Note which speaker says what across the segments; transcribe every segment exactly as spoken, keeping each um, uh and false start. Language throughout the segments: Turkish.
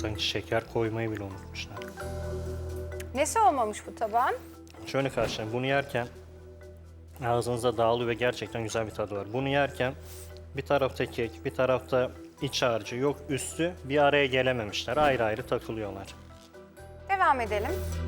Speaker 1: Sanki şeker koymayı bile unutmuşlar.
Speaker 2: Nesi olmamış bu tabağın?
Speaker 1: Şöyle karşılayın. Bunu yerken ağzınıza dağılıyor ve gerçekten güzel bir tadı var. Bunu yerken bir tarafta kek, bir tarafta iç harcı, yok üstü bir araya gelememişler. Ayrı ayrı takılıyorlar.
Speaker 2: Devam edelim.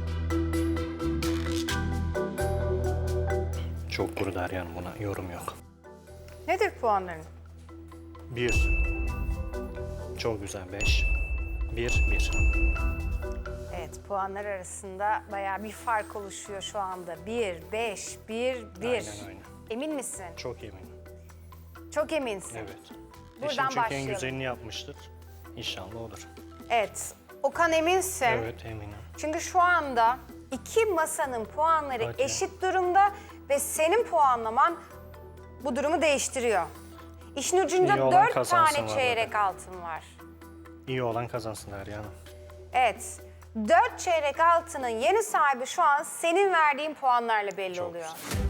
Speaker 1: Çok kuru Derya, buna yorum yok.
Speaker 2: Nedir puanların?
Speaker 1: Bir. Çok güzel. Beş. Bir. Bir.
Speaker 2: Evet, puanlar arasında bayağı bir fark oluşuyor şu anda. Bir, beş, bir, bir.
Speaker 1: Aynen öyle.
Speaker 2: Emin misin?
Speaker 1: Çok eminim.
Speaker 2: Çok eminsin.
Speaker 1: Evet.
Speaker 2: Buradan
Speaker 1: Eşim çünkü en
Speaker 2: başlayalım.
Speaker 1: güzelini yapmıştır. İnşallah olur.
Speaker 2: Evet. Okan eminsin.
Speaker 1: Evet, eminim.
Speaker 2: Çünkü şu anda iki masanın puanları
Speaker 1: Hadi.
Speaker 2: eşit durumda ve senin puanlaman bu durumu değiştiriyor. İşin ucunda
Speaker 1: İyi olan
Speaker 2: dört
Speaker 1: kazansın
Speaker 2: tane
Speaker 1: var
Speaker 2: çeyrek
Speaker 1: burada.
Speaker 2: altın var.
Speaker 1: İyi olan kazansın Derya Hanım.
Speaker 2: Evet. Dört çeyrek altının yeni sahibi şu an senin verdiğin puanlarla belli
Speaker 1: Çok
Speaker 2: oluyor.
Speaker 1: güzel.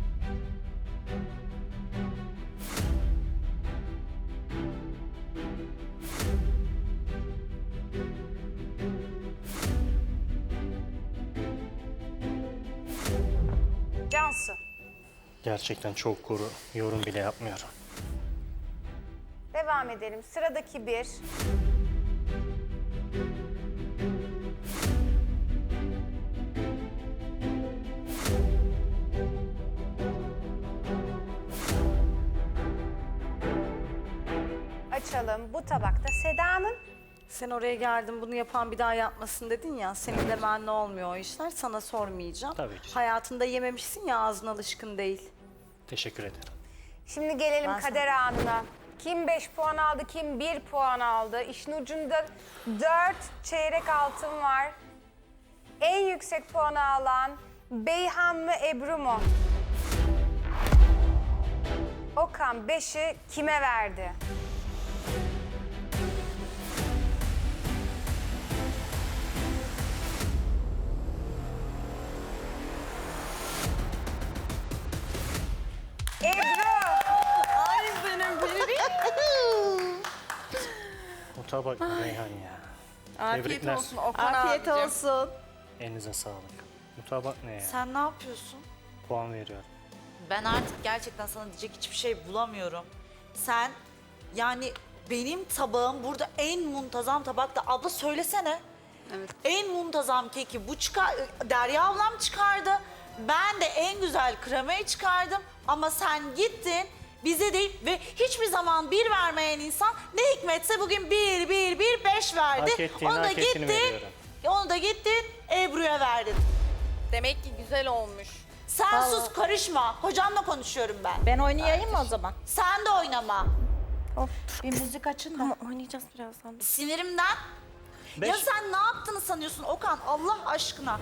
Speaker 2: Cansu.
Speaker 1: Gerçekten çok kuru. Yorum bile yapmıyorum.
Speaker 2: Devam edelim. Sıradaki bir. Açalım. Bu tabakta Seda'nın.
Speaker 3: Sen oraya geldin bunu yapan bir daha yapmasın dedin ya. Senin de benle olmuyor o işler. Sana sormayacağım.
Speaker 1: Tabii ki.
Speaker 3: Hayatında yememişsin ya, ağzın alışkın değil.
Speaker 1: Teşekkür ederim.
Speaker 2: Şimdi gelelim
Speaker 3: Ben
Speaker 2: kader anına. Kim beş puan aldı, kim bir puan aldı. İşin ucunda dört çeyrek altın var. En yüksek puanı alan Beyhan mı, Ebru mu? Okan beşi kime verdi? Ebru!
Speaker 3: Ay benim
Speaker 1: O tabak Reyhan ya.
Speaker 3: Afiyet
Speaker 1: Tebrikler.
Speaker 3: olsun Okan
Speaker 4: Afiyet
Speaker 3: abicim.
Speaker 4: olsun.
Speaker 1: Elinize sağlık. Bu tabak ne ya?
Speaker 3: Sen ne yapıyorsun?
Speaker 1: Puan veriyorum.
Speaker 4: Ben artık gerçekten sana diyecek hiçbir şey bulamıyorum. Sen yani benim tabağım burada en muntazam tabakta. Abla söylesene.
Speaker 5: Evet.
Speaker 4: En muntazam keki bu çıkar. Derya ablam çıkardı. Ben de en güzel kremayı çıkardım. Ama sen gittin bize değil ve hiçbir zaman bir vermeyen insan ne hikmetse bugün bir, bir, bir, beş verdi.
Speaker 1: Hak ettiğini,
Speaker 4: onu da
Speaker 1: hak ettiğini
Speaker 4: gittin,
Speaker 1: veriyorum.
Speaker 4: onu da gittin Ebru'ya verdin.
Speaker 5: Demek ki güzel olmuş.
Speaker 4: Sen sus karışma. Hocamla konuşuyorum ben.
Speaker 3: Ben oynayayım mı o zaman?
Speaker 4: Sen de oynama.
Speaker 3: Bir müzik açın da.
Speaker 5: Tamam oynayacağız birazdan.
Speaker 4: Sinirimden.
Speaker 1: Beş.
Speaker 4: Ya sen ne yaptığını sanıyorsun Okan Allah aşkına?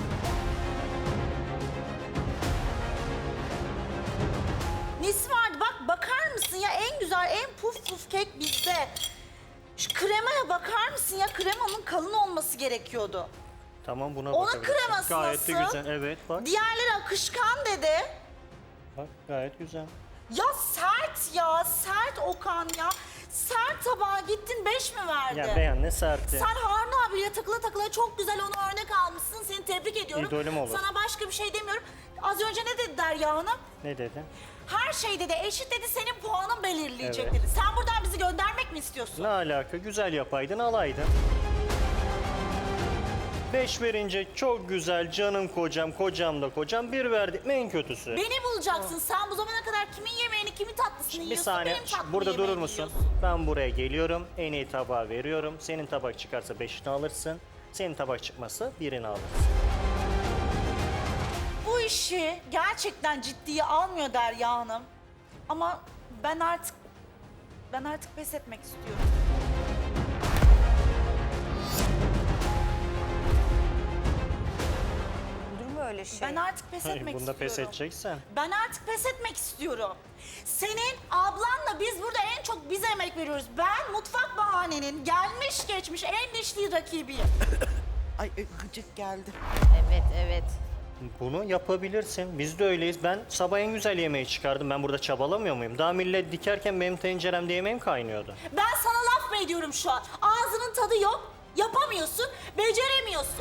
Speaker 4: Nesi vardı bak bakar mısın ya en güzel en puf puf kek bizde. Şu kremaya bakar mısın ya kremanın kalın olması gerekiyordu.
Speaker 1: Tamam, buna
Speaker 4: Onun
Speaker 1: bakabilirsin.
Speaker 4: kreması
Speaker 1: Gayet de
Speaker 4: nasıl?
Speaker 1: güzel. Evet bak.
Speaker 4: Diğerleri akışkan dedi.
Speaker 1: Bak gayet güzel.
Speaker 4: Ya sert ya sert Okan ya. Sert tabağa gittin beş mi verdi?
Speaker 1: Ya beğen ne sertti.
Speaker 4: Sen Harun abiyle takıla takıla çok güzel onu örnek almışsın. Seni tebrik ediyorum.
Speaker 1: İdolüm olur.
Speaker 4: Sana başka bir şey demiyorum. Az önce ne dedi Derya Hanım?
Speaker 1: Ne dedi?
Speaker 4: Her şey dedi eşit dedi senin puanın belirleyecek
Speaker 1: Evet.
Speaker 4: dedi. Sen buradan bizi göndermek mi istiyorsun?
Speaker 1: Ne alaka? Güzel yapaydın, alaydın. Beş verince çok güzel, canım kocam, kocam da kocam. Bir verdik mi en kötüsü.
Speaker 4: Beni bulacaksın. Sen bu zamana kadar kimin yemeğini, kimin tatlısını
Speaker 1: Bir
Speaker 4: yiyorsun,
Speaker 1: saniye,
Speaker 4: benim tatlımı
Speaker 1: burada durur
Speaker 4: yemeğimi
Speaker 1: musun?
Speaker 4: yiyorsun.
Speaker 1: Ben buraya geliyorum, en iyi tabağı veriyorum. Senin tabak çıkarsa beşini alırsın. Senin tabak çıkmazsa birini alırsın.
Speaker 4: Bu işi gerçekten ciddiye almıyor Derya Hanım. Ama ben artık ben artık pes etmek istiyorum.
Speaker 2: Olur mu öyle şey?
Speaker 4: Ben artık pes
Speaker 1: Hayır,
Speaker 4: etmek
Speaker 1: bunda
Speaker 4: istiyorum.
Speaker 1: pes edeceksen.
Speaker 4: Ben artık pes etmek istiyorum. Senin ablanla biz burada en çok bize emek veriyoruz. Ben mutfak bahanenin gelmiş geçmiş en dişli rakibiyim.
Speaker 6: Ay e, gıcık geldi.
Speaker 5: Evet evet.
Speaker 1: Bunu yapabilirsin. Biz de öyleyiz. Ben sabah en güzel yemeği çıkardım. Ben burada çabalamıyor muyum? Daha millet dikerken benim tenceremde yemeğim kaynıyordu.
Speaker 4: Ben sana laf mı ediyorum şu an? Ağzının tadı yok. Yapamıyorsun, beceremiyorsun.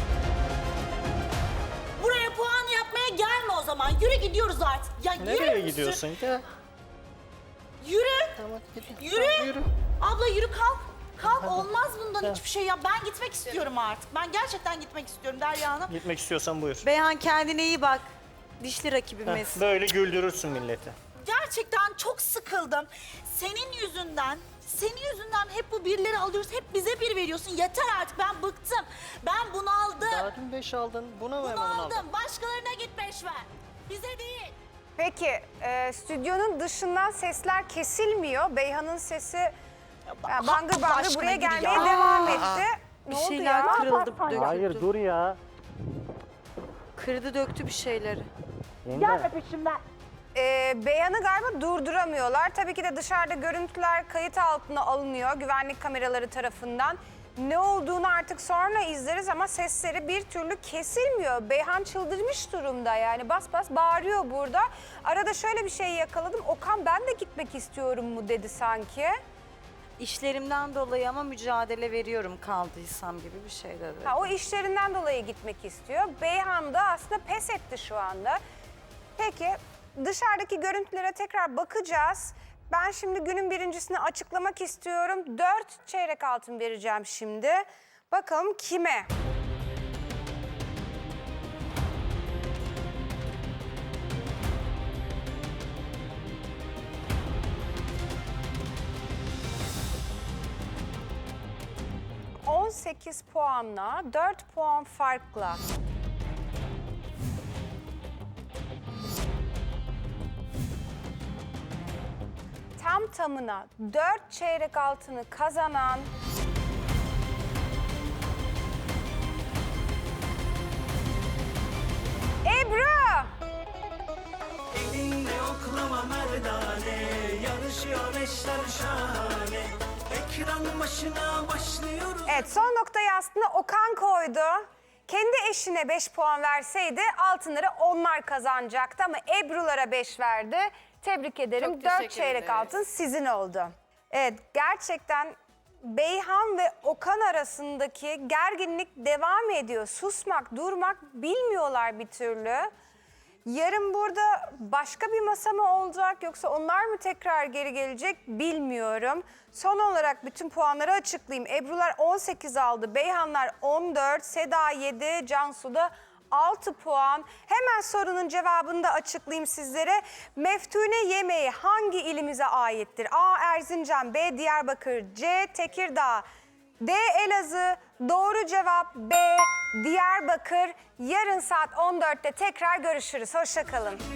Speaker 4: Buraya puan yapmaya gelme o zaman. Yürü gidiyoruz artık. Ya yürü
Speaker 1: Nereye
Speaker 4: müsün?
Speaker 1: gidiyorsun? Gel.
Speaker 4: Yürü.
Speaker 1: Tamam, gidelim.
Speaker 4: Yürü.
Speaker 1: Tamam, yürü.
Speaker 4: Abla yürü kalk. Kalk olmaz bundan hiçbir şey ya. Ben gitmek istiyorum artık. Ben gerçekten gitmek istiyorum Derya Hanım.
Speaker 1: Gitmek istiyorsan buyur.
Speaker 3: Beyhan kendine iyi bak. Dişli
Speaker 1: Heh,
Speaker 3: rakibimiz.
Speaker 1: böyle güldürürsün milleti.
Speaker 4: Gerçekten çok sıkıldım. Senin yüzünden, senin yüzünden hep bu birleri alıyoruz. Hep bize bir veriyorsun. Yeter artık, ben bıktım. Ben bunaldım.
Speaker 1: Daha dün beş aldın. Buna mı hemen aldın?
Speaker 4: Bunaldım. Başkalarına git beş ver. Bize değil.
Speaker 2: Peki, e, stüdyonun dışından sesler kesilmiyor. Beyhan'ın sesi yani bangır
Speaker 4: Allah
Speaker 2: bangır
Speaker 4: aşkına
Speaker 2: buraya
Speaker 4: yürü
Speaker 2: gelmeye
Speaker 4: ya.
Speaker 2: devam etti. Ne
Speaker 3: Bir
Speaker 2: oldu
Speaker 3: şeyler
Speaker 2: ya?
Speaker 3: kırıldı, döküldü.
Speaker 1: Hayır dur ya.
Speaker 3: Kırdı döktü bir şeyleri.
Speaker 1: Yenge.
Speaker 2: Ee, Beyhan'ı galiba durduramıyorlar. Tabii ki de dışarıda görüntüler kayıt altına alınıyor güvenlik kameraları tarafından. Ne olduğunu artık sonra izleriz ama sesleri bir türlü kesilmiyor. Beyhan çıldırmış durumda yani bas bas bağırıyor burada. Arada şöyle bir şey yakaladım. Okan ben de gitmek istiyorum mu dedi sanki.
Speaker 3: İşlerimden dolayı ama mücadele veriyorum kaldıysam gibi bir şey dedi.
Speaker 2: Ha, o işlerinden dolayı gitmek istiyor. Beyhan da aslında pes etti şu anda. Peki dışarıdaki görüntülere tekrar bakacağız. Ben şimdi günün birincisini açıklamak istiyorum. Dört çeyrek altın vereceğim şimdi. Bakalım kime? on sekiz puanla, dört puan farkla. Tam tamına dört çeyrek altını kazanan Ebru!
Speaker 7: Elinde oklama merdane, yarışıyor eşler şahane. Ekran başına başlıyoruz.
Speaker 2: Evet, son noktayı aslında Okan koydu. Kendi eşine beş puan verseydi altınları onlar kazanacaktı ama Ebru'lara beş verdi. Tebrik ederim.
Speaker 5: Çok
Speaker 2: dört
Speaker 5: teşekkür
Speaker 2: çeyrek
Speaker 5: ederiz.
Speaker 2: altın sizin oldu. Evet, gerçekten Beyhan ve Okan arasındaki gerginlik devam ediyor. Susmak, durmak bilmiyorlar bir türlü. Yarın burada başka bir masa mı olacak yoksa onlar mı tekrar geri gelecek bilmiyorum. Son olarak bütün puanları açıklayayım. Ebrular on sekiz aldı, Beyhanlar on dört, Seda yedi, Cansu da altı puan. Hemen sorunun cevabını da açıklayayım sizlere. Meftune yemeği hangi ilimize aittir? A. Erzincan, B. Diyarbakır, C. Tekirdağ, D. Elazığ. Doğru cevap B. Diyarbakır. Yarın saat on dörtte tekrar görüşürüz. Hoşça kalın.